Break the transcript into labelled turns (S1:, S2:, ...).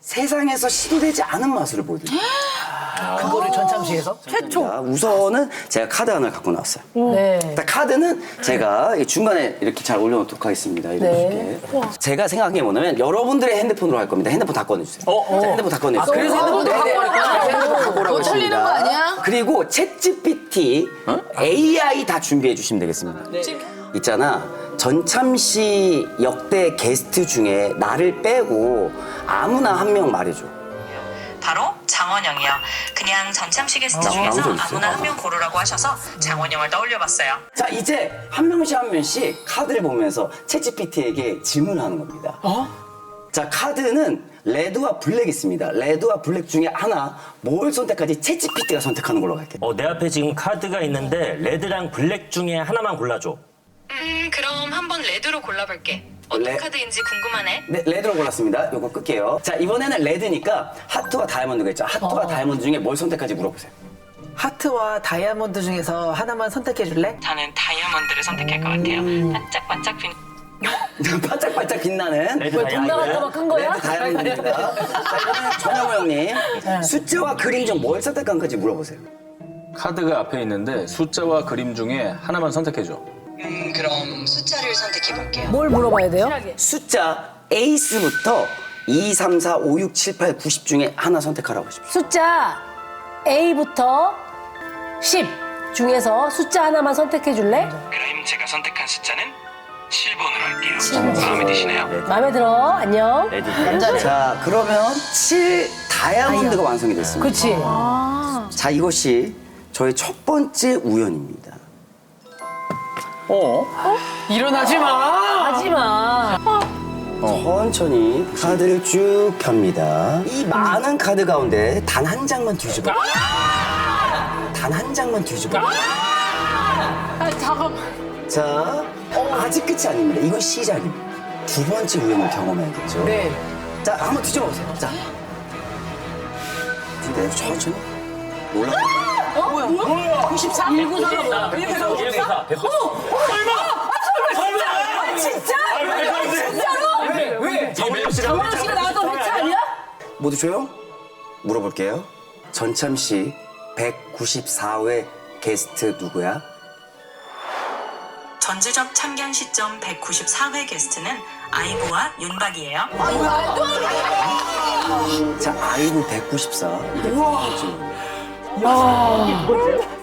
S1: 세상에서 시도되지 않은 맛을 보여드립니다.
S2: 그거를 전참시에서?
S3: 최초.
S1: 자, 우선은 제가 카드 하나를 갖고 나왔어요.
S3: 네.
S1: 일단 카드는 제가 중간에 이렇게 잘 올려놓도록 하겠습니다. 이렇게. 제가 생각한 게 뭐냐면 여러분들의 핸드폰으로 할 겁니다. 핸드폰 다 꺼내주세요. 자, 핸드폰 다 꺼내주세요.
S3: 그래서 핸드폰 다 꺼내니까.
S1: 핸드폰 갖고 오라고
S3: 너 틀리는 거 아니야?
S1: 그리고 챗GPT, AI 다 준비해 주시면 되겠습니다. 있잖아. 전참시 역대 게스트 중에 나를 빼고 아무나 한 명 말해줘.
S4: 바로 장원영이요. 그냥 전참시 게스트
S1: 아무
S4: 중에서
S1: 적 있어요?
S4: 아무나 한 명 고르라고 하셔서 장원영을 떠올려봤어요.
S1: 자, 이제 한 명씩 한 명씩 카드를 보면서 챗GPT에게 질문하는 겁니다. 자, 카드는 레드와 블랙 있습니다. 레드와 블랙 중에 하나 뭘 선택할지 챗GPT가 선택하는 걸로 갈게요.
S5: 내 앞에 지금 카드가 있는데 레드랑 블랙 중에 하나만 골라줘.
S4: 그럼 한번 레드로 골라볼게. 어떤
S1: 레-
S4: 카드인지 궁금하네.
S1: 네, 레드로 골랐습니다. 요거 끌게요. 자, 이번에는 레드니까 하트와 다이아몬드가 있죠. 하트와 다이아몬드 중에 뭘 선택할지 물어보세요.
S2: 하트와 다이아몬드 중에서 하나만 선택해 줄래?
S4: 저는 다이아몬드를 선택할 것 같아요. 반짝반짝 빛.
S1: 반짝반짝 빛나는
S5: 레드
S3: 돈 나갈까봐 끈 거야?
S1: 레드 다이아몬드입니다. 자, 이번에는 전영호 형님. 숫자와 그림 중 뭘 선택한 건지 물어보세요.
S6: 카드가 앞에 있는데 숫자와 그림 중에 하나만 선택해줘.
S4: 그럼 숫자를 선택해볼게요.
S3: 뭘 물어봐야 돼요?
S1: 숫자 에이스부터 2, 3, 4, 5, 6, 7, 8, 90 중에 하나 선택하라고 하십시오.
S3: 숫자 A부터 10 중에서 숫자 하나만 선택해 줄래?
S7: 그럼 제가 선택한 숫자는 7번으로 할게요. 마음에 드시나요?
S3: 마음에 들어. 안녕.
S1: 자, 그러면 7 다이아몬드가 완성이 됐습니다.
S3: 그렇지.
S1: 자, 이것이 저의 첫 번째 우연입니다.
S2: 일어나지 마!
S3: 하지 마.
S1: 천천히 카드를 쭉 펴니다. 이 많은 카드 가운데 단 한 장만 뒤집어. 단 한 장만 뒤집어. 자, 아직 끝이 아닙니다. 이건 시작입니다. 두 번째 우연을 경험해야겠죠.
S2: 네.
S1: 자, 한번 뒤집어 보세요. 자. 근데 천천히. 올라.
S3: 94? 194가 뭐야?
S5: 194.
S3: 진짜?
S5: 왜?
S3: 장원영 씨가 나왔던 회차 아니야?
S1: 모두 조용? 물어볼게요. 전참시 194회 게스트 누구야?
S4: 전주적 참견 시점 194회 게스트는 아이보와 윤박이에요.
S1: 자, 아이고 194. 이게 무슨 거지?